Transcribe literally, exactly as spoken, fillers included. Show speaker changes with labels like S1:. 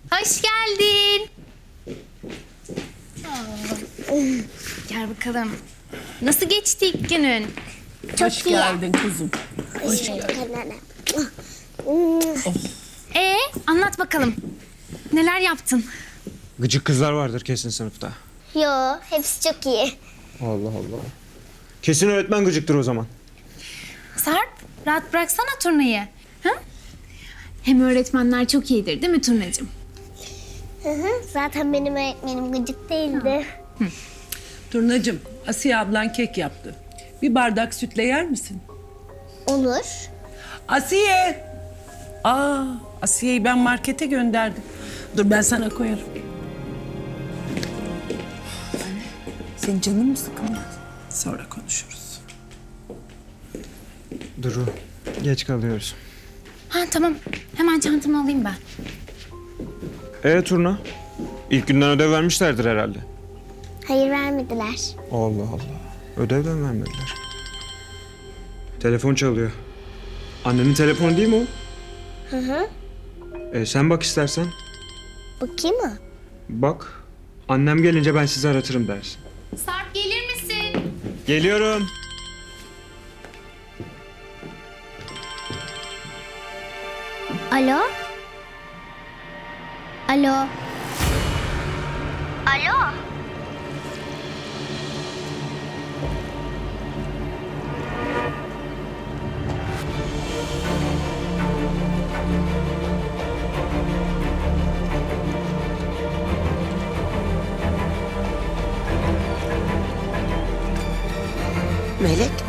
S1: Hoş geldin. Aa, gel bakalım. Nasıl geçti ilk günün?
S2: Hoş geldin kuzum. Hoş geldin.
S1: Ee, anlat bakalım. Neler yaptın?
S3: Gıcık kızlar vardır kesin sınıfta.
S4: Yo, hepsi çok iyi.
S3: Allah Allah. Kesin öğretmen gıcıktır o zaman.
S1: Sarp, rahat bıraksana turnayı. Ha? Hem öğretmenler çok iyidir değil mi Turnacığım?
S4: Hı hı, zaten benim öğretmenim gıcık değildi.
S2: Turnacığım, Asiye ablan kek yaptı. Bir bardak sütle yer misin?
S4: Olur.
S2: Asiye! Aa, Asiye'yi ben markete gönderdim. Dur ben sana koyarım. Senin canın mı sıkıldı? Sonra konuşuruz.
S3: Duru, geç kalıyoruz.
S1: Ha tamam. Hemen çantamı alayım ben.
S3: E Turna? İlk günden ödev vermişlerdir herhalde.
S4: Hayır, vermediler.
S3: Allah Allah. Ödevden vermediler. Telefon çalıyor. Annenin telefonu değil mi o?
S4: Hı hı.
S3: E, sen bak istersen.
S4: Bakayım mı?
S3: Bak. Annem gelince ben sizi aratırım dersin.
S1: Sarp gelir misin?
S3: Geliyorum.
S4: Alo? Alo? Alo?
S5: Melek,